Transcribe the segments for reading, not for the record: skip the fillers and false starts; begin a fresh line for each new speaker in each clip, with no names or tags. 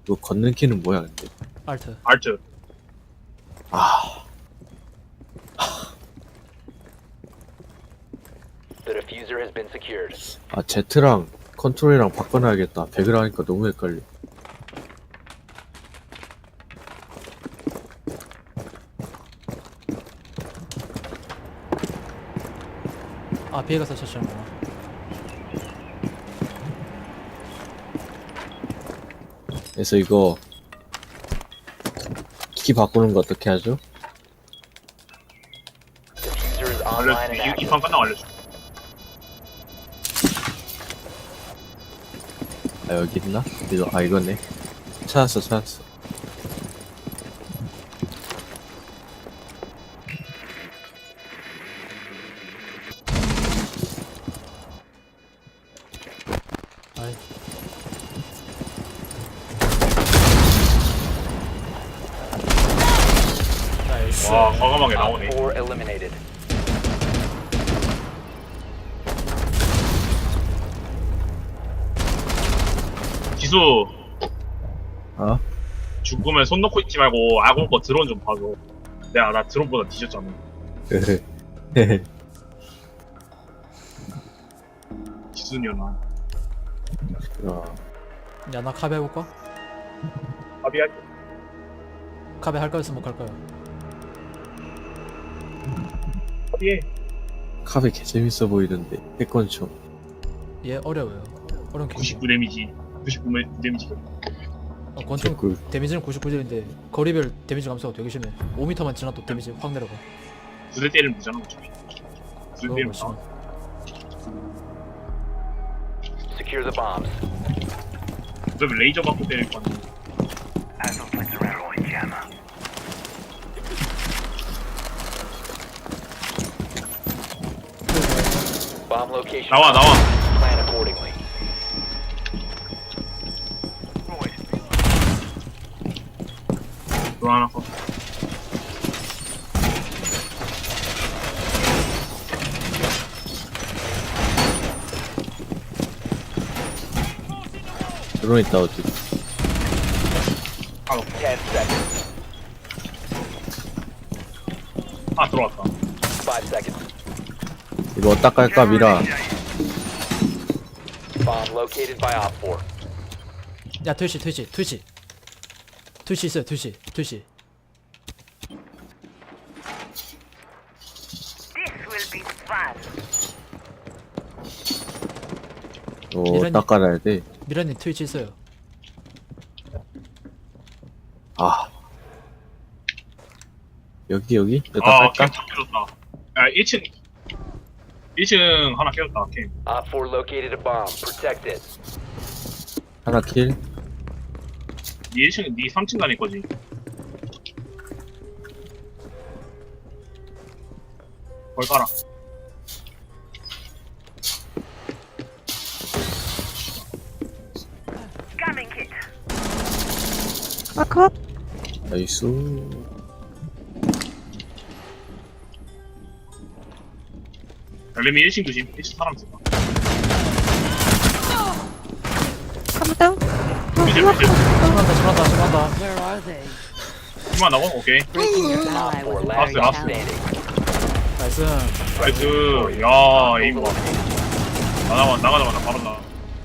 이거 걷는 키는 뭐야 근데?
알트.
알트.
아,
The diffuser has been secured.
아 Z랑 컨트롤이랑 바꿔놔야겠다. 배그를 하니까 너무 헷갈려.
아 비에가서 쳤잖아.
그래서 이거 키 바꾸는 거 어떻게 하죠?
Diffuser is online and
알려줄게.
active.
이판 끝나고 알려줄게.
아 여기 있나? 이거 아 이거네. 찾았어.
아이. 나이스.
와, 과감하게
Op
나오네.
4 eliminated.
기수,
어?
죽으면 손 놓고 있지 말고 아군 거 드론 좀 봐줘. 나 드론보다 뒤졌잖아. 기수년아.
어,
야나 카베 해볼까?
합의할
카베 할 거였으면 못 할 거야.
합의해.
카페 개 재밌어 보이던데. 패권총.
얘 어려워요. 어려운 게.
99 데미지. 99 데미지.
권총
개꿀.
데미지는 99딜인데 거리별 데미지 감소가 되게 심해. 5m만 지나도 데미지 확 내려가.
9대 때리면 되잖아, 어차피. 9대
그거
때리면
멋있어.
다.
Secure the bombs.
어차피 레이저 갖고 때릴 거 아니야.
Bomb location.
나와.
Plan accordingly.
드론 하나 써.
드론 있다 어디?
10 seconds.
들어왔다.
5 seconds.
이거 어디다 깔까 미라.
Bomb located by Op 4.
야 트위치 있어요. 트위치.
This will be fun.
이거 어디다 깔아야 돼?
미라님 트위치 있어요.
아 여기 여기다
캠
깔까?
다 깨졌다. 야, 1층 하나 깨졌다, 캠.
Op 4 located a bomb. Protect it.
하나 킬.
네 1층, 네 3층 다닐 거지. 걸 깔아.
Scamming kit.
나이스.
레미 1층 조심. 1층 사람 있었다. 이제
심한다.
Where are they?
그만 나와? 오케이.
Breaking your ally
Op 4
was
last
Last,
stop
last.
standing.
나이스.
나이스. 야, 에임 봐. 나가자마자 바로 나.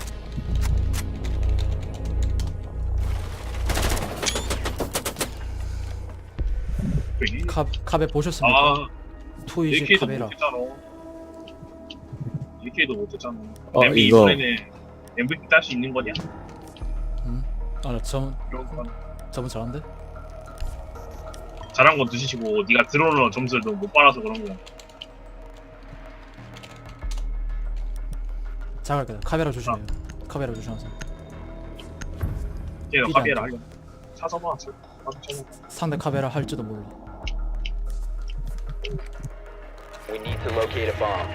카베 보셨습니까?
아,
트위치
1K도
카베라.
못했잖아. 1K도 못했잖아.
이거
이번에는 MVP 딸 수 있는 거냐?
아나
이런 거.
저분 잘한데?
잘한 건 드시고 네가 드론으로 점수를 너무 못 받아서 그런 거야.
잘할게요. 카베라 조심해요. 카베라 조심하세요.
걔가
삐지
카비에라
않게.
하려. 찾아봐. 찾아봐.
상대 카베라 할지도 몰라.
We need to locate a bomb.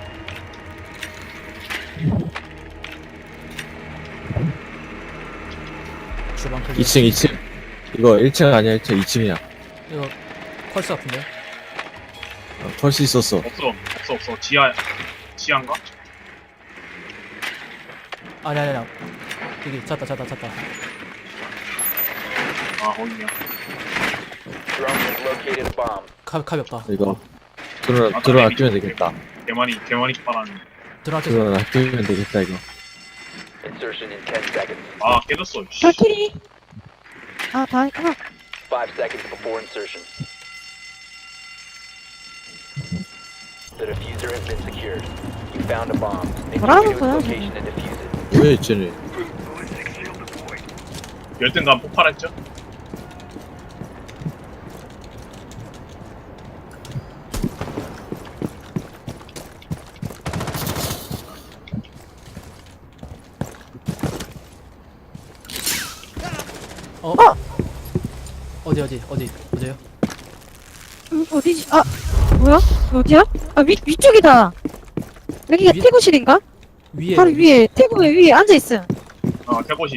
주방 클리어.
2층. 이거 1층 아니야 1층 2층이야.
이거 펄스 같은데?
펄스 있었어.
없어. 지하인가?
아니. 여기 찾다.
아 거기냐.
Drone has located a bomb.
가볍다.
이거 드론 아끼면 되겠다.
개만이 빨았네.
들어갈게.
드론 아끼면 되겠다 이거.
Insertion in 10 seconds.
아 깨졌어. 씨.
발키리. 아, 다 했구나.
5 seconds before insertion. The diffuser has been secured. You found a bomb. Make your way to its
뭐라는
location and defuse it.
왜 쟤네?
열등감 폭발했죠?
어디요?
어디지? 아, 뭐야? 어디야? 아, 위쪽이다. 여기가
위-
태구실인가?
위에.
바로 위에, 태구 위에 앉아있어.
태고시.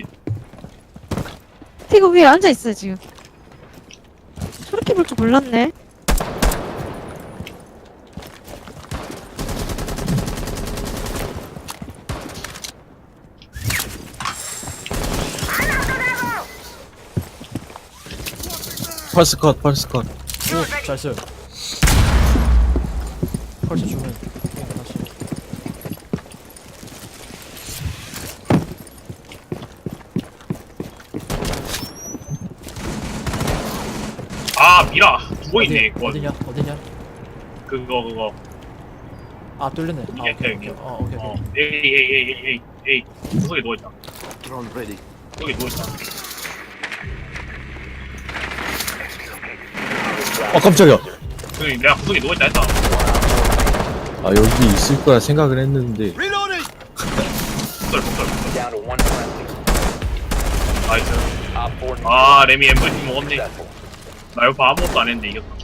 태구 위에 앉아있어, 지금. 저렇게 볼 줄 몰랐네.
펄스 컷.
오, 잘 써요. 펄스 주면 다시.
아 미라 죽어있네. 그거
어디냐?
그거.
아, 뚫렸네. 아,
이게
오케이.
여기요.
오케이.
에이 구석에 누워있다. 여기 누워있다.
깜짝이야.
내가 구석에 누워있다 했다.
아 여기 있을 거라 생각을 했는데
폭설.
Down to 1 friendly.
나이스.
Op 4
아 레미 MVP 먹었네.
successful.
나 옆에 아무것도 안 했는데 이겼다.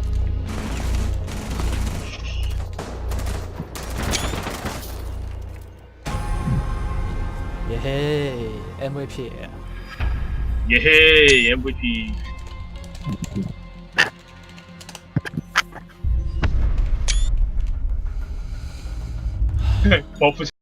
예헤이. MVP.
예헤이 MVP. 버프